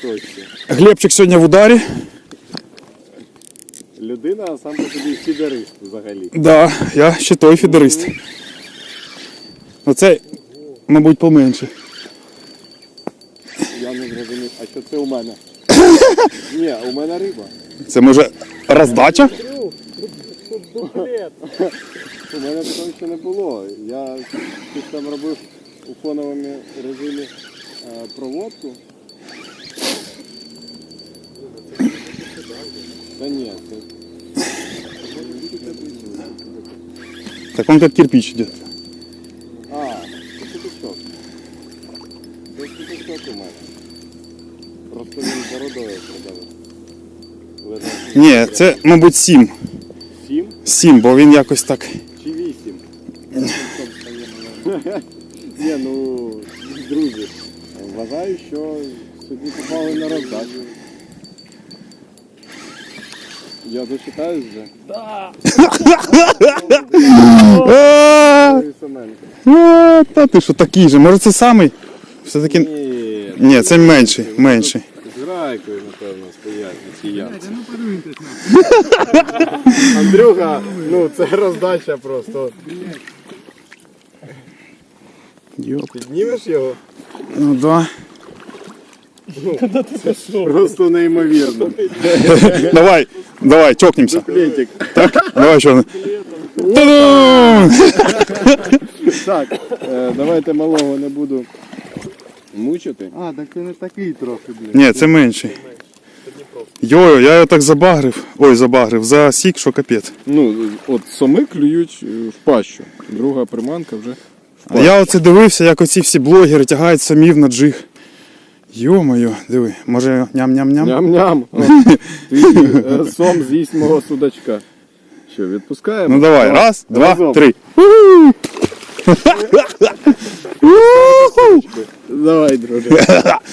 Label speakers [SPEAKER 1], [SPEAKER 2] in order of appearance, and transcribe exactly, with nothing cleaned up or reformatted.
[SPEAKER 1] точці.
[SPEAKER 2] Глебчик сьогодні в ударі.
[SPEAKER 1] Людина, а сам по собі фідерист взагалі.
[SPEAKER 2] Так, да, я ще той фідерист. Оцей, мабуть, поменше.
[SPEAKER 1] Я не зрозумів, а що це у мене? Ні, у мене риба.
[SPEAKER 2] Це може роздача?
[SPEAKER 1] У мене такого ще не було. Я щось там робив у фоновому режимі е, проводку. Та ні, це...
[SPEAKER 2] Так он как кирпич идет.
[SPEAKER 1] А, це піточок. Це піточок у мене. Просто він бородою продавив.
[SPEAKER 2] Ні, це, мабуть, сім.
[SPEAKER 1] Сім
[SPEAKER 2] Сім, бо він якось так.
[SPEAKER 1] чи вісім? Ні, ну, друзі, вважаю, що сьогодні попали на роздачу. Я дочитаюсь вже.
[SPEAKER 2] А,
[SPEAKER 1] Семенко.
[SPEAKER 2] а, Та ти що такий же? Може це самий? Все-таки.
[SPEAKER 1] Ні,
[SPEAKER 2] Ні, це менший, менший.
[SPEAKER 1] з грайкою, напевно, стоять на цій ямці. Андрюха, ну це роздача просто.
[SPEAKER 2] Йоп.
[SPEAKER 1] Піднімеш його?
[SPEAKER 2] Ну да.
[SPEAKER 1] Просто неймовірно.
[SPEAKER 2] Давай, давай, чокнемся.
[SPEAKER 1] Плетик.
[SPEAKER 2] Так, давай що. Та-дам!
[SPEAKER 1] Так, е, давайте малого не буду мучити. А, так це не такий трохи, блін.
[SPEAKER 2] Ні, це менший. Йо, я його так забагрив. Ой, забагрив. Засік, що капець.
[SPEAKER 1] Ну, от соми клюють е, в пащу. Друга приманка вже в
[SPEAKER 2] А
[SPEAKER 1] пащу.
[SPEAKER 2] я оце дивився, як оці всі блогери тягають самів на джиг. Йо-моє, диви, може ням-ням-ням?
[SPEAKER 1] Ням-ням. О, Ти е, сом з'їсть мого судачка. Що, відпускаємо?
[SPEAKER 2] Ну давай, раз, два,
[SPEAKER 1] Разом.
[SPEAKER 2] три.
[SPEAKER 1] Давай, друже.